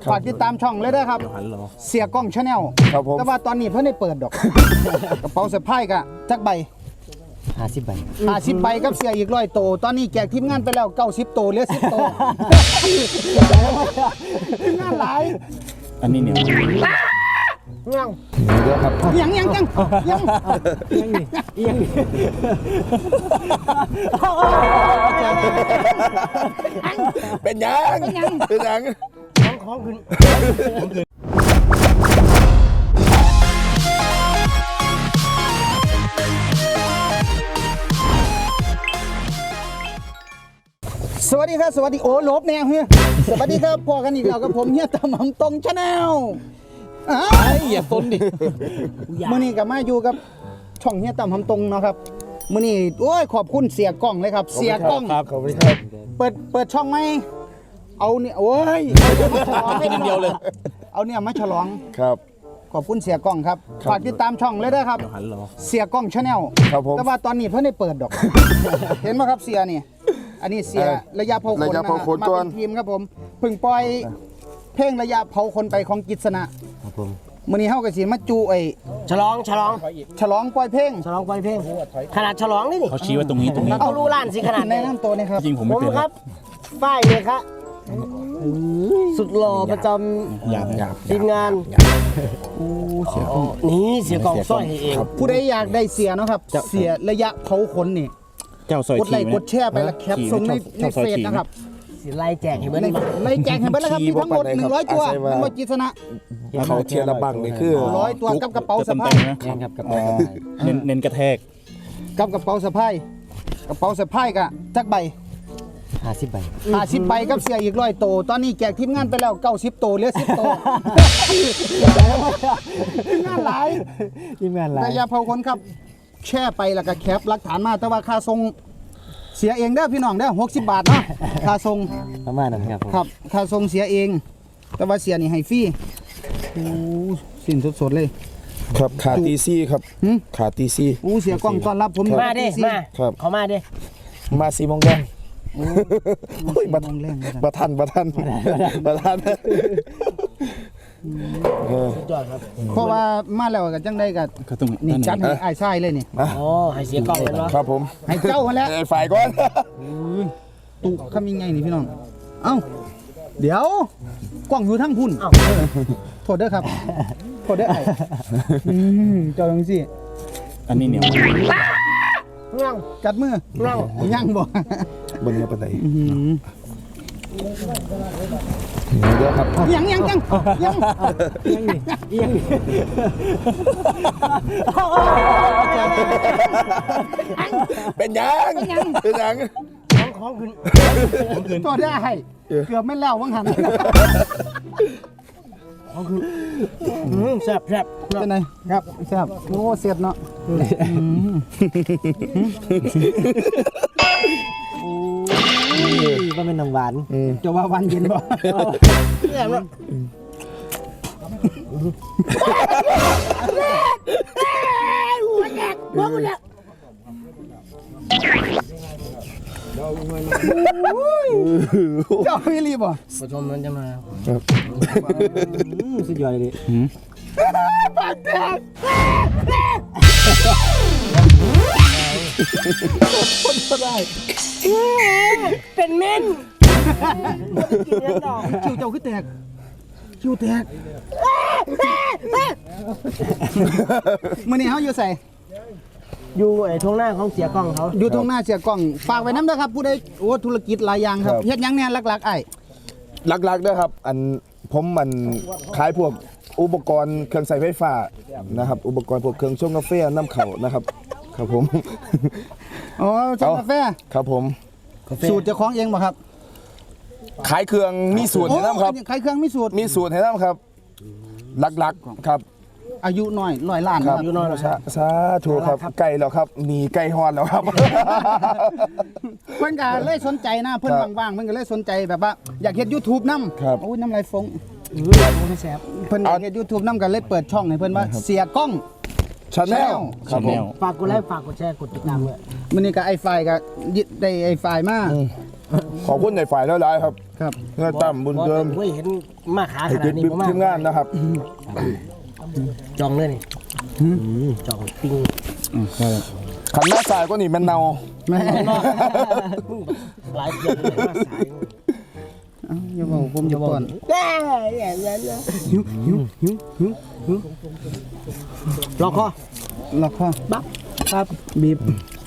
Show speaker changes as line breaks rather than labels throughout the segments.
ฝากติดตามช่องเลยด้วยครับเสียกล้องชาแนลแต่ว่าตอนนี้เพิ่งได้เปิดดอกกระเป๋าสะพายกะจักใบ
50 ใบ
50 ใบกับเสียอีก100 โตตอนนี้แจกทีมงานไปแล้ว90 โตเหลือ10 โตทีมงานหลาย
อันนี้เนี่ย
ยัง
เป็นยัง
ของขึ้นสวัสดีครับสวัสดีโอ้ลบแนวเฮียสวัสดีครับพอกันอีกแล้วกับผมเฮียตำหำตรงชาแนล
อย่าต้นดิ
มื้อนี้กับมาอยู่กับช่องเฮียตำหำตรงเนาะครับมื้อนี้โอ้ยขอบคุณเสียกล้องเลยครับเสียกล้อง
ขอบคุณครับ
เปิดช่องไหมเอาเนี่ยโอ้ยมาฉลองให้เดียวเลยเอาเนี่ยมาฉลอง
ครับ
ขอบคุณเสียกล้องครับฝากติดตามช่องเลยด้วยครับเสียกล้องชาแนลแต่ว่าตอนนี้เพิ่งได้เปิดดอกเห็นไหมครับเสียนี่อันนี้เสียระยะเผาขนมาเป็นทีมครับผมเพิ่งปล่อยเพลงระยะเผาขนไปของกิษณะ
ครับผม
มื้อนี้เฮาก็สิมาจู
ฉลอง
ปล่อยเพลง
ขนาดฉลองนี่
เขาชี้ว่าตรงนี้
เอารู้ล้านสิขนาด
ในน้ำตัวนี่ครับ
จริงผมไม่เป็น
ครับป้ายเลยครับสุดหล่อประจำทีมงานนี่เสียกองสร้อยเอง
ผู้ใดอยากได้เสียเนาะครับเสียระยะเผาขนนี่
เจ้าซอย
กดไลค์กดแชร์ไปแล้วแคปส่งในเฟซนะครับ
ไล่แจกให้เบิ้ล
ไล่แจกให้เบิ้ลแล้วครับมีทั้งหมด100 ตัวทั้งหมดกิษณะ
เขาเทียร์ระบังนี่คือ
100 ตัวกับกระเป๋าสะพาย
ครับกระเป๋า
เน้นกระแทก
กับกระเป๋าสะพายกะจักใบ
50 ใบ
50 ใบกับเสียอีก100 โตตอนนี้แจกทีมงานไปแล้ว90 โตเหลือ10 โตทีมงานหลายระยะเผาขนครับแช่ไปแล้วก็แคปหลักฐานมาแต่ว่าค่าส่งเสียเองเด้อพี่น้องเด้อ60 บาทเนาะค่าส่ง
ประมาณนั้น
ครับค่าส่งเสียเองแต่ว่าเสียนี่ให้ฟรีโอ้สิ้นสดๆเลย
ครับขาตีซี่ครับขาตีซี่
เสียกล้องต้อนรับผม
มาดิมาเขามาดิ
มา4 โมงแดงบัทัน
เพราะว่ามาแล้วกันจังได้กับนี่จัดให้ไอ้ทรายเลยนี่
ให้เสียกล้องเลยเนาะ
ครับผม
ให้เจ้าคนแล้ว
ฝ่ายก่อน
ตุกคำยังไงนี่พี่น้องเอ้าเดี๋ยวกล้องอยู่ทั้งพุ่นโทษเด้อครับโทษเด้อไอ้เจ้าจังสิ
อันนี้เนี่ย
จัดมือย่างบ่
บนนี้ปานใดเดี๋ยวครับ
ยัง
เป็นยัง
ของขึ้นตัวได้เกือบไม่แล้ววังหัน
แซ่บ
เป็นไงครับแซ่บโอ้เสียดเนาะ
ว่าเป็นน้ำหวาน
จะว่าวันเย็นบ่
แซ่บเนาะหัวแดก
เจ้าไม่รีบบ่
ผู้ชมมันจะมาสุดยอดเลยดิ
ปากแดงคนก็ได้
เป็นเม่น
คิวเจ้าขึ้นแตกมื้อนี้เฮาอยู่ใส่
อยู่ไอ้ทงหน้าของเสียกล้องเขา
อยู่ทงหน้าเสียกล้องฝากไว้น้ำเด้อครับผู้ใดธุรกิจหลายอย่างครับเฮ็ดหยังเนี่ยหลักๆไอ้
หลักๆเด้อครับผมขายพวกอุปกรณ์เครื่องใช้ไฟฟ้านะครับอุปกรณ์พวกเครื่องชงกาแฟน้ำเข่านะครับครับผม
ชงกาแฟ
ครับผม
สูตรเจ้าของเองบ่ครับ
ขายเครื่องมีสูตรให้น้ำครับ
ขายเครื่องมีสูตร
ให้น้ำครับหลักๆครับ
อายุน้อย100 ล้าน
ครับอายุน้อยสาธุครับไก่แล้วครับมีไก่ฮอนแล้วครับ
เพิ่นก็เลยสนใจนะเพิ่นว่างๆเพิ่นก็เลยสนใจแบบว่าอยากเฮ็ด YouTube นำโอ้ยน้ำลายฟงแซ่บเพิ่นอยากเฮ็ด YouTube นำก็เลยเปิดช่องให้เพิ่นว่าเสียกล้อง
ชาแนลครับผม
ฝากกดไลค์ฝากกดแชร์กดติดตามด้วย
มื้อนี้ก็ไอ้ไฟก็ได้ไอ้ไฟมา
ขอบคุณในฝ่ายหลายๆครับ
ครับ
เงื่อตั้มบุญเดิม
เว้ยเห็นมาขาข
ให้
นา
ติ
ด
ด
นี้
บิ๊
ผมมา
ทีมงานนะครับ
จองเลยนี่จองปิ้ง
ขันหน้าสายก็นี่มันเนา
แม่
หลายเดือนเลยมาสาย
อย่าบอกผมจะก่อน
รอคอ
ล็อกคอ
บักครับ
บีบ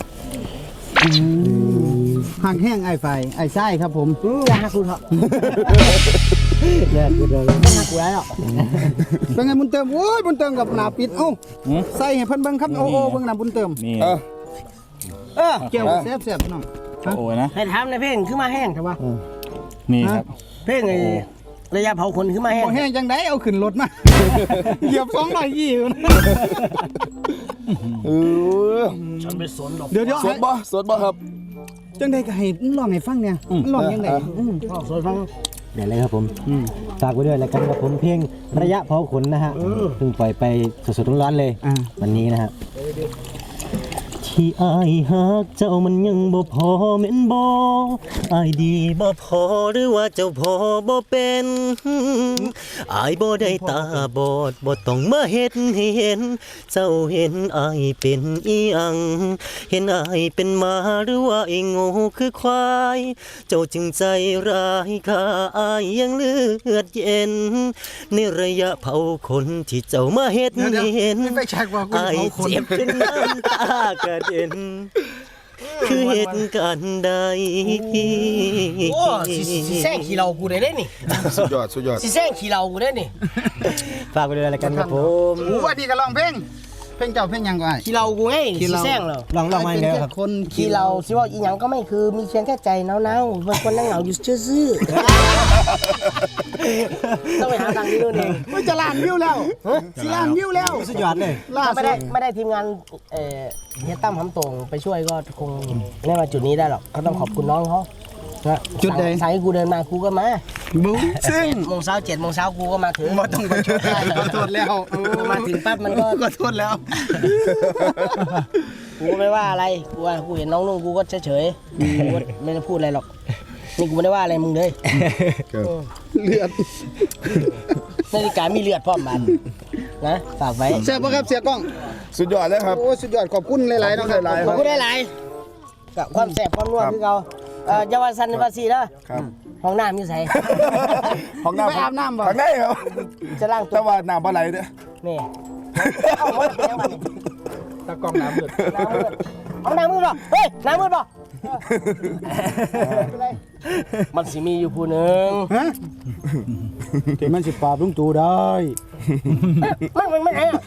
ห่างแห้งไอ้ไฟไอ้ไส้ครับผม
อย่าหักกูเถอะอย่าหักกูเลยไม่หักกูแล้ว
เป็นไงบุญเติมโอ้ยบุญเติมกับหนาปิดเอ้าใส่ให้เพิ่นเบิ่งครับโอ้เบิ่งหน้าบุญเติม
นี่
แก้วแซ่บๆพี่น้อง
โอ้ยนะ
ให้ถามในเพลงคือมาแห้งใช่ปะ
นี่ครับ
เพลงไอ้ระยะเผาขนคือมาแห้ง
บ่แห้งจังไดเอาขึ้นรถมาเหยียบ220อยู่นะ
ฉันไม่สนหรอก
เดี๋ยว
สดบ่สดบ่ครับ
จังไดก็ให้ร้องให้ฟังเนี่ยมันร้องยังไง
สนฟังเดี๋ยวเลยครับผมฝากไว้ด้วยแล้วกันครับผมเพลงระยะเผาขนนะฮะเพิ่งปล่อยไปสดๆร้อนๆเลยวันนี้นะฮะที่อายฮักเจ้ามันยังบ่พอแม่นบ่อายดีบ่พอหรือว่าเจ้าพอบ่เป็นอายบ่ได้ตาบอดบ่ต้องมาเฮ็ดให้เห็นเจ้าเห็นอายเป็นอีหยังเห็นอายเป็นหมาหรือว่าไอ้โง่คือควายเจ้าจึงใจร้ายข้าอายยังเลือดเย็นในระยะเผาคนที่เจ้ามาเฮ็ดให้เห็น
ไปแช็กว่ากู
อายเจ็บจนน้ำตากระเด็นคือเหตุการณ์ใดโอ้สิแซงขี้เรากูได้นี่
สุดยอดสุดยอด
สิแซงขี้เรากูได้นี่ฝากไปด้วยอะไรกันครับผม
โอ้อันนี้ก็ร้องเพลงเจ้าเพลงหยังก็ได้
ขี้เรากูไง
ขี้
สิ
เรา
แซงเหรอ
ลองมาแล้วครับคน
ขี้เราสิว่าอีหยังก็ไม่คือมีเพียงแค่ใจเนาๆบางคนนั่งเหงาอยู่ซื่อๆต้องไปหาทางนี้นู่นเอง
มันจะล้านวิวแล้วสิล้านวิวแล้ว
สุดยอดเลย
ล่า
ถ้า
สุ
ไม่ได้ทีมงานเฮียตั้มหำตรงไปช่วยก็คงไม่มาจุดนี้ได้หรอกก็ต้องขอบคุณน้องเขานะ
จุดใด
สายกูเดินมากูก็มา
บูซึ่ง
โมงเช้า7 โมงกูก็มาถึง
บ่ต้องไปช่วยขอโทษแล้ว
มาถึงปั๊บมันก็
ขอโทษแล้ว
กูก็ไม่ว่าอะไรกูว่ากูเห็นน้องนุ่งกูก็เฉยๆกูก็ไม่ได้พูดอะไรหรอกนี่กูไม่ได้ว่าอะไรมึงเลย
เลือด
นาฬิกามีเลือดพร้อมมันนะฝากไว้
แซ่บบ่ครับเสียกล้อง
สุดยอดเลยครับ
โอ้สุดยอดขอบคุณหลายๆเนาะครับ
หลายๆ
ขอบคุณได้หลายกับความแสบความนัวคือเขาเยาวสันภาษีนะครับ ห้องน้ำอยู่ไส
ห้องน้ำ
ไปอาบน้ำบ่
ข้างในครับ
จะล้างตั
แต่
ว
ว่าน้ำปลาไหลเนี่ย
นี่เอาหมดแล้วมัน
ตะกล้องน้ำเลือด
น้ำมืดเอาน้ำมืดป่ะเฮ้ยน้ำมืดป่ะมันสิมีอยู่ผู้หนึ่ง
ฮะที่มันสิปราบลุงตู่ได้
มันไงอ่ะ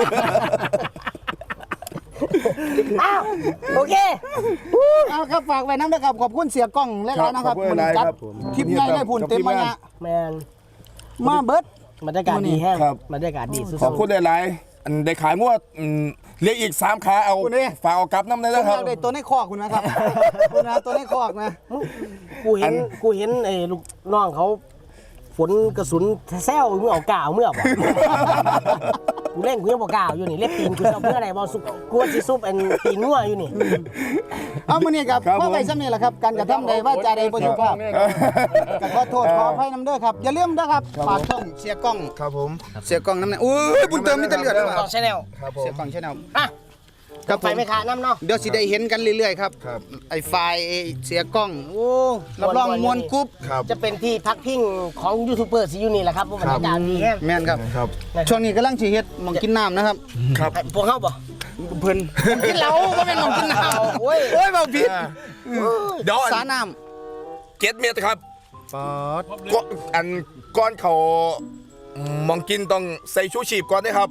อ้าวโอเค
เอาครับฝากไว้น้ำนะครับขอบคุณเสียกล้องหลายๆนะครับ
ขอบคุณหลายๆครับ
คลิปใหญ่ได้ผุนเต็มมายะ
แมน
มาเบิด
บรรยากาศดีแห้ง
ครับ
บรรยากาศดีสุด
ขอบคุณหลายๆอันได้ขายงวดเรียกอีก3ขาเอาฝากเอากลับน้ำเลย
ผม
นะค
อ
รับ
ยากได้ตัวในคอกคุณนะครับคุณนะตัวในคอกนะ
กูเห็นไอ้ลูกน้องเขาฝนกระสุนแซวเมื่อเอากาวเมื่อบ่กูเล่นกูยังบอกกาวอยู่นี่เล็บตีนกูจะเอาเพื่ออะไรบอลซุปกูว่าสิซุปอันตีนงัวอยู่นี่
เอามื้อนี้ครับพ่อไปซ้ำนี่แหละครับการกระทำใดว่าจาใดบ่สุภาพก็ขอโทษขออภัยนำเด้อครับอย่าลืมนะครับฝากช่องเสียกล้อง
ครับผม
เสียกล้องน้ำเนี่ยโอ้ยบุญเติมมีแต่เลือด
ต่อชแนล
ครับผ
เสีย
ม
กล้องชาแนล
อ่ะ
ครับ
ไปไม่ขาดน้ำเนาะ
เดี๋ยวสิได้เห็นกันเรื่อยๆครับ
ครับ
ไอ้ไฟล์เสียกล้องโอ้รับรองมวนกรุ๊ป
ครับ
จะเป็นที่พักพิงของยูทูบเบอร์ซีอยู่นี่แหละครับเพราะบรรยากาศดีแห้ง
แม่นครับ
ครับ
ช่วงนี้กำลังสิเฮ็ดหมองกินน้ำนะครับ
ครับ
พวกเขาบ่
เพิ่นกินเหล้าบ่แม่นหมองกินน้ำ
โอ้ย
โอ้ยเบาผิด
เดี๋ยว
สาน้
7 เมตรครับ
ำปอด
อันก้อนเขามองกินต้องใส่ชูชีพก่อนนะครับ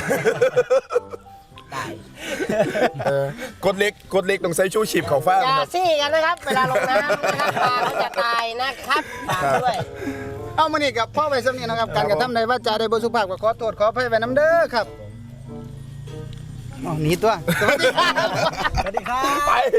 กดเล็กต้องใส่ชูชีพเขาฟ้า
อย่า
ครับ
ซี่กันนะครับเวลาลงน้ำนะครับปลาเขาจะตายนะครับฝากด้วย
เอามื้อนี้กับพ่อไปซ้ำนี่นะครับการกระทำใดว่าจาใดบ่สุภาพก็ขอโทษขออภัยไว้นำเด้อครับอ๋อหนีตัวสวัสดีครับ
สวัสดีครับ
ไป